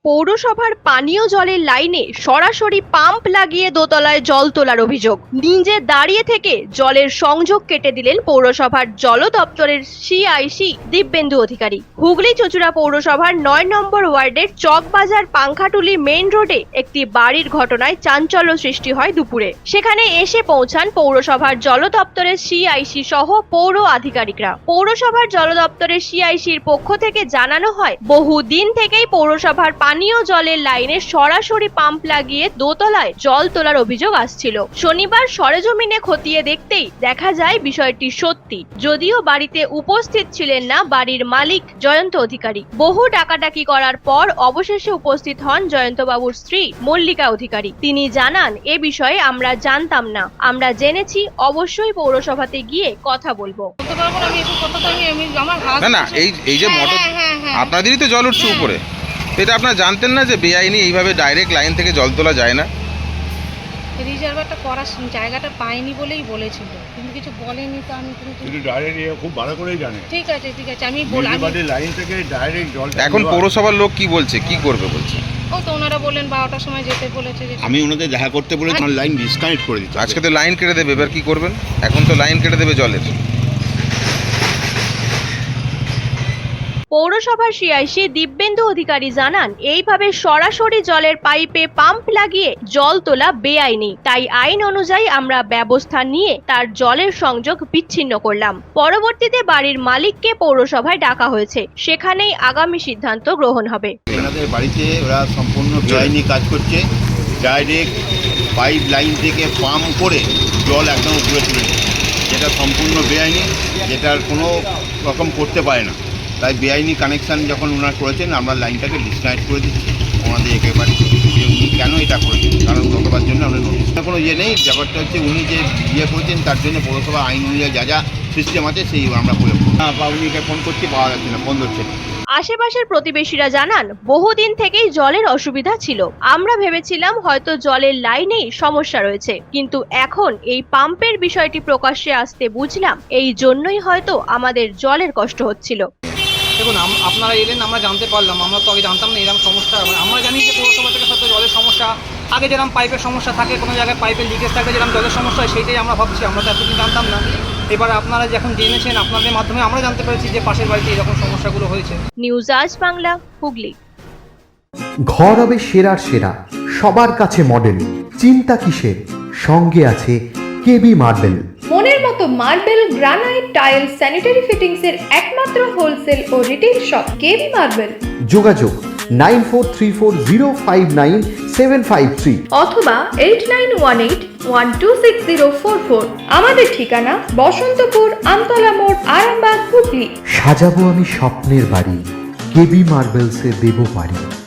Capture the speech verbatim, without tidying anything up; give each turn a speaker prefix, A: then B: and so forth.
A: পৌরসভার পানীয় জলের লাইনে সরাসরি পাম্প লাগিয়ে দোতলায় জল তোলার অভিযোগ। নিজে দাঁড়িয়ে থেকে জলের সংযোগ কেটে দিলেন পৌরসভার জল দপ্তরের সিআইসি দিব্যেন্দু অধিকারী। হুগলি চুঁচুড়া পৌরসভার নয় নম্বর ওয়ার্ডের চকবাজার পাংখাটুলি মেইন রোডে একটি বাড়ির ঘটনায় চাঞ্চল্য সৃষ্টি হয় দুপুরে। সেখানে এসে পৌঁছান পৌরসভার জল দপ্তরের সিআইসি সহ পৌর আধিকারিকরা। পৌরসভার জল দপ্তরের সিআইসির পক্ষ থেকে জানানো হয়, বহুদিন থেকেই পৌরসভার পানীয় জলের লাইনে সরাসরি পাম্প লাগিয়ে দোতলায় জল তোলার অভিযোগ আসছিল। শনিবার সরেজমিনে খতিয়ে দেখতেই দেখা যায় বিষয়টি সত্যি। যদিও বাড়িতে উপস্থিত ছিলেন না বাড়ির মালিক জয়ন্ত অধিকারী। বহু ডাকাডাকি করার পর অবশেষে উপস্থিত হন জয়ন্তবাবুর স্ত্রী মল্লিকা অধিকারী। তিনি জানান, এ বিষয়ে আমরা জানতাম না, আমরা জেনেছি, অবশ্যই পৌরসভাতে গিয়ে কথা বলবো।
B: না না এই এই যে মোটর আপনাদেরই তো জল উঠছে উপরে, এটা আপনারা জানতেন না যে বেআইনি এইভাবে ডাইরেক্ট লাইন থেকে জল তোলা যায় না?
C: রিজার্ভারটা করার জায়গাটা পাইনি বলেই বলেছিল, কিন্তু কিছু বলেনি। তো আমি কিন্তু
D: ডাইরেক্ট খুব ভালো করেই জানে।
C: ঠিক আছে ঠিক আছে আমি বললাম
D: লাইন থেকে ডাইরেক্ট জল।
B: এখন পৌরসভার লোক কি বলছে, কি করবে বলছে?
C: ও তো ওনারা বললেন বারোটার সময় যেতে বলেছে।
D: আমি ওনাদের দেখা করতে বলেছি, আমার লাইন ডিসকানেক্ট করে দিতে।
B: আজকে তো লাইন কেটে দেবে, এবার কি করবেন? এখন তো লাইন কেটে দেবে জলের।
A: পৌরসভার সিআইসি দিব্যেন্দু অধিকারী জানান, এইভাবে সরাসরি জলের পাইপে পাম্প লাগিয়ে জল তোলা বেআইনি। তাই আইন অনুযায়ী আমরা ব্যবস্থা নিয়ে তার জলের সংযোগ বিচ্ছিন্ন করলাম। পরবর্তীতে বাড়ির মালিককে পৌরসভায় ডাকা হয়েছে, সেখানেই আগামী সিদ্ধান্ত গ্রহণ হবে।
D: ওনাদের বাড়িতে ওরা সম্পূর্ণ বেআইনি কাজ করছে। ডাইরেক্ট পাইপ লাইন থেকে পাম্প করে জল একদম উপরে তুলে দিচ্ছে, যেটা সম্পূর্ণ বেআইনি, যেটার কোনো রকম করতে পারে না। তাই বেআইনি কানেকশান যখন ওনারা করেছেন, আমরা লাইনটাকে ডিসকানেক্ট করে দিচ্ছি ওনাদের একেবারে। উনি কেন এটা করেছেন, কারণ গতবার জন্য আমরা নোটিশ কোনো ইয়ে নেই। ব্যাপারটা হচ্ছে উনি যে ইয়ে করেছেন তার জন্য পৌরসভা আইন অনুযায়ী যা যা সিস্টেম আছে সেই আমরা প্রয়োগ করি। হ্যাঁ, বা উনিকে ফোন করছি, পাওয়া যাচ্ছে না, বন্ধ হচ্ছে।
A: আশেপাশের প্রতিবেশীরা জানান, বহুদিন থেকেই জলের অসুবিধা ছিল। আমরা ভেবেছিলাম হয়তো জলের লাইনেই সমস্যা রয়েছে, কিন্তু এখন এই পাম্পের বিষয়টি প্রকাশ্যে আসতে বুঝলাম এই জন্যই হয়তো আমাদের জলের কষ্ট হচ্ছিল।
E: দেখুন, আপনারা এলেন, আমরা জানতে পারলাম। আমরা তো আগে জানতাম না এরকম সমস্যা। আমরা জানি যে পৌরসভা থেকে সত্যি জলের সমস্যা, আগে যেরকম পাইপের সমস্যা থাকে, কোনো জায়গায় পাইপের লিকেজ থাকে, যেরকম জলের সমস্যা হয়, সেইটাই আমরা ভাবছি। আমরা তো এতদিন জানতাম না। এবার আপনারা যখন জেনেছেন, আপনাদের মাধ্যমে আমরা জানতে পেরেছি যে পাশের বাড়িতে এরকম সমস্যাগুলো হয়েছে।
A: নিউজ আজ বাংলা, হুগলি।
F: ঘর হবে সেরার সেরা, সবার কাছে মডেল। চিন্তা কিসের, সঙ্গে আছে কেবি মার্বেল।
G: মনের মতো marble, granite, tile, sanitary fittings এর একমাত্র হোলসেল ও রিটেল শপ কেবি মার্বেল।
F: যোগাযোগ nine four three four zero five nine seven five three
G: অথবা eight nine one eight one two six zero four four. আমাদের ঠিকানা বসন্তপুর, আমতলা মোড়, আরামবাগ, হুগলি।
F: সাজাবো আমি স্বপ্নের বাড়ি, কেবি মার্বেলসে দেবো বাড়ি।